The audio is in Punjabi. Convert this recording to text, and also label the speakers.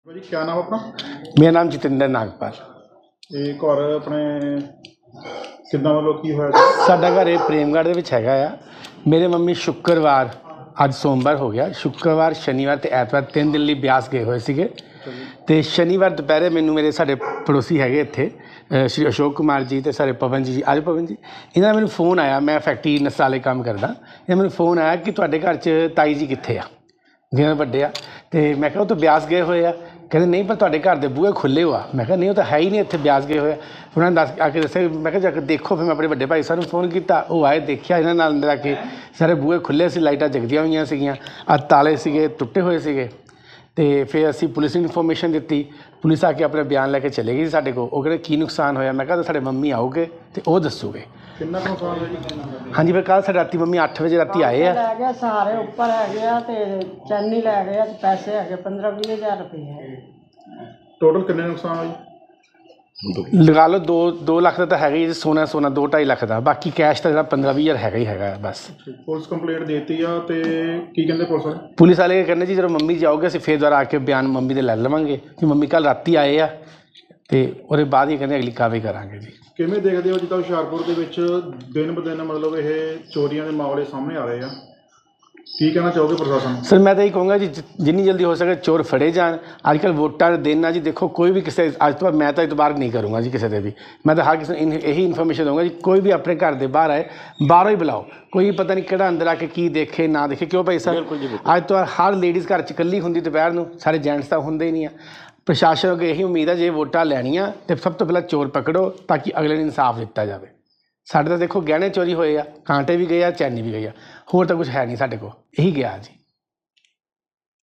Speaker 1: भाजी क्या नाम अपना?
Speaker 2: मेरा नाम जतिंदर नागपाल।
Speaker 1: ਇਹ ਘਰ ਆਪਣੇ ਕਿੱਦਾਂ ਵੱਲੋਂ ਕੀ ਹੋਇਆ ਜੀ?
Speaker 2: ਸਾਡਾ ਘਰ ਇਹ ਪ੍ਰੇਮਗੜ੍ਹ ਦੇ ਵਿੱਚ ਹੈਗਾ ਆ। ਮੇਰੇ ਮੰਮੀ ਸ਼ੁੱਕਰਵਾਰ, ਅੱਜ ਸੋਮਵਾਰ ਹੋ ਗਿਆ, ਸ਼ੁੱਕਰਵਾਰ ਸ਼ਨੀਵਾਰ ਅਤੇ ਐਤਵਾਰ 3 ਦਿਨ ਲਈ ਬਿਆਸ ਗਏ ਹੋਏ ਸੀਗੇ। ਅਤੇ ਸ਼ਨੀਵਾਰ ਦੁਪਹਿਰੇ ਮੈਨੂੰ ਸਾਡੇ ਪੜੋਸੀ ਹੈਗੇ ਇੱਥੇ ਸ਼੍ਰੀ ਅਸ਼ੋਕ ਕੁਮਾਰ ਜੀ ਅਤੇ ਸਾਡੇ ਪਵਨ ਜੀ, ਅੱਜ ਪਵਨ ਜੀ, ਇਹਨਾਂ ਦਾ ਮੈਨੂੰ ਫੋਨ ਆਇਆ। ਮੈਂ ਫੈਕਟਰੀ ਨਸਾਲੇ ਕੰਮ ਕਰਦਾ। ਇਹ ਮੈਨੂੰ ਫੋਨ ਆਇਆ ਕਿ ਤੁਹਾਡੇ ਘਰ 'ਚ ਤਾਈ ਜੀ ਕਿੱਥੇ ਆ, ਜਿਹਨਾਂ ਵੱਡੇ ਆ। ਅਤੇ ਮੈਂ ਕਿਹਾ ਉਹ ਤਾਂ ਬਿਆਸ ਗਏ ਹੋਏ ਆ। ਕਹਿੰਦੇ ਨਹੀਂ, ਪਰ ਤੁਹਾਡੇ ਘਰ ਦੇ ਬੂਹੇ ਖੁੱਲ੍ਹੇ ਹੋ ਆ। ਮੈਂ ਕਿਹਾ ਨਹੀਂ, ਉਹ ਤਾਂ ਹੈ ਹੀ ਨਹੀਂ, ਇੱਥੇ ਬਿਆਸ ਗਏ ਹੋਏ ਆ। ਉਹਨਾਂ ਨੇ ਆ ਕੇ ਦੱਸਿਆ। ਮੈਂ ਕਿਹਾ ਜਾ ਕੇ ਦੇਖੋ। ਫਿਰ ਮੈਂ ਆਪਣੇ ਵੱਡੇ ਭਾਈ ਸਾਹਿਬ ਨੂੰ ਫੋਨ ਕੀਤਾ, ਉਹ ਆਏ, ਦੇਖਿਆ ਇਹਨਾਂ ਨਾਲ ਅੰਦਰ ਆ ਕੇ ਸਾਰੇ ਬੂਹੇ ਖੁੱਲ੍ਹੇ ਸੀ, ਲਾਈਟਾਂ ਜਗਦੀਆਂ ਹੋਈਆਂ ਸੀਗੀਆਂ, ਤਾਲੇ ਸੀਗੇ ਟੁੱਟੇ ਹੋਏ ਸੀਗੇ। ਅਤੇ ਫਿਰ ਅਸੀਂ ਪੁਲਿਸ ਨੂੰ ਇਨਫੋਰਮੇਸ਼ਨ ਦਿੱਤੀ। ਪੁਲਿਸ ਆ ਕੇ ਆਪਣਾ ਬਿਆਨ ਲੈ ਕੇ ਚਲੇ ਗਈ ਸੀ ਸਾਡੇ ਕੋਲ। ਉਹ ਕਹਿੰਦੇ ਕੀ ਨੁਕਸਾਨ ਹੋਇਆ? ਮੈਂ ਕਿਹਾ ਤਾਂ ਸਾਡੇ ਮੰਮੀ ਆਉਗੇ ਅਤੇ ਉਹ ਦੱਸੂਗੇ।
Speaker 1: ਕਿੰਨਾ ਕੁ ਨੁਕਸਾਨ ਹੋਇਆ ਜੀ?
Speaker 2: ਹਾਂਜੀ, ਫਿਰ ਕੱਲ੍ਹ ਸਾਡੇ ਰਾਤੀ ਮੰਮੀ 8 ਵਜੇ ਰਾਤੀ ਆਏ ਆ।
Speaker 3: ਲੈ ਗਏ ਸਾਰੇ ਉੱਪਰ ਹੈਗੇ ਆ ਤੇ ਚੈਨੀ ਲੈ ਗਏ ਆ ਤੇ ਪੈਸੇ ਹੈਗੇ 15-20 ਹਜ਼ਾਰ ਰੁਪਏ।
Speaker 1: ਟੋਟਲ ਕਿੰਨੇ ਨੁਕਸਾਨ ਹੋਇਆ ਜੀ?
Speaker 2: ਲਗਾ ਲਓ 2 ਲੱਖ ਦਾ ਤਾਂ ਹੈਗਾ ਹੀ ਜੀ। ਸੋਨਾ 2-2.5 ਲੱਖ ਦਾ। ਬਾਕੀ ਕੈਸ਼ ਤਾਂ ਜਿਹੜਾ 15-20 ਹਜ਼ਾਰ ਹੈਗਾ ਹੀ ਹੈਗਾ ਬਸ।
Speaker 1: ਪੁਲਿਸ ਕੰਪਲੇਂਟ ਦੇਤੀ ਆ ਤੇ ਕੀ ਕਹਿੰਦੇ ਪੁਲਿਸ ਵਾਲੇ?
Speaker 2: ਪੁਲਿਸ ਵਾਲੇ ਕਹਿੰਦੇ ਜੀ ਜਦੋਂ ਮੰਮੀ ਜਾਓਗੇ ਅਸੀਂ ਫਿਰ ਦੁਬਾਰਾ ਆ ਕੇ ਬਿਆਨ ਮੰਮੀ ਦੇ ਲੈ ਲਵਾਂਗੇ ਕਿ ਮੰਮੀ ਕੱਲ੍ਹ ਰਾਤੀ ਆਏ ਆ, ਅਤੇ ਉਹਦੇ ਬਾਅਦ ਹੀ ਕਹਿੰਦੇ ਅਗਲੀ ਕਾਰਵਾਈ ਕਰਾਂਗੇ ਜੀ।
Speaker 1: ਕਿਵੇਂ ਦੇਖਦੇ ਹੋ ਜਿੱਦਾਂ ਹੁਸ਼ਿਆਰਪੁਰ ਦੇ ਵਿੱਚ ਦਿਨ ਬ ਦਿਨ ਮਤਲਬ ਇਹ ਚੋਰੀਆਂ ਦੇ ਮਾਮਲੇ ਸਾਹਮਣੇ ਆ ਰਹੇ ਆ, ਕੀ ਕਹਿਣਾ ਚਾਹੋਗੇ ਪ੍ਰਸ਼ਾਸਨ?
Speaker 2: ਸਰ ਮੈਂ ਤਾਂ ਇਹ ਕਹੂੰਗਾ ਜੀ ਜਿੰਨੀ ਜਲਦੀ ਹੋ ਸਕੇ ਚੋਰ ਫੜੇ ਜਾਣ। ਅੱਜ ਕੱਲ੍ਹ ਵੋਟਾਂ ਦੇ ਦਿਨ ਆ ਜੀ। ਦੇਖੋ ਕੋਈ ਵੀ ਕਿਸੇ ਅੱਜ ਤੋਂ ਬਾਅਦ ਮੈਂ ਤਾਂ ਇਤਬਾਰ ਨਹੀਂ ਕਰੂੰਗਾ ਜੀ ਕਿਸੇ ਦੇ ਵੀ। ਮੈਂ ਤਾਂ ਹਰ ਕਿਸੇ ਨੂੰ ਇਹੀ ਇਨਫੋਰਮੇਸ਼ਨ ਦਊਂਗਾ ਜੀ, ਕੋਈ ਵੀ ਆਪਣੇ ਘਰ ਦੇ ਬਾਹਰ ਆਏ, ਬਾਹਰੋਂ ਹੀ ਬੁਲਾਓ। ਕੋਈ ਪਤਾ ਨਹੀਂ ਕਿਹੜਾ ਅੰਦਰ ਆ ਕੇ ਕੀ ਦੇਖੇ ਨਾ ਦੇਖੇ। ਕਿਉਂ ਭਾਈ ਸਾਹਿਬ? ਅੱਜ ਤੋਂ ਬਾਅਦ ਹਰ ਲੇਡੀਜ਼ ਘਰ 'ਚ ਇਕੱਲੀ ਹੁੰਦੀ ਦੁਪਹਿਰ ਨੂੰ, ਸਾਰੇ ਜੈਂਟਸ ਤਾਂ ਹੁੰਦੇ ਹੀ ਨਹੀਂ ਆ। ਪ੍ਰਸ਼ਾਸਨ ਅੱਗੇ ਇਹੀ ਉਮੀਦ ਆ ਜੇ ਵੋਟਾਂ ਲੈਣੀਆਂ ਤਾਂ ਸਭ ਤੋਂ ਪਹਿਲਾਂ ਚੋਰ ਪਕੜੋ ਤਾਂ ਕਿ ਅਗਲੇ ਨੂੰ ਇਨਸਾਫ ਦਿੱਤਾ ਜਾਵੇ। ਸਾਡੇ ਤਾਂ ਦੇਖੋ ਗਹਿਣੇ ਚੋਰੀ ਹੋਏ ਆ, ਕਾਂਟੇ ਵੀ ਗਏ ਆ, ਚੈਨੀ ਵੀ ਗਈ ਆ, ਹੋਰ ਤਾਂ ਕੁਛ ਹੈ ਨਹੀਂ ਸਾਡੇ ਕੋਲ, ਇਹੀ ਗਿਆ ਜੀ।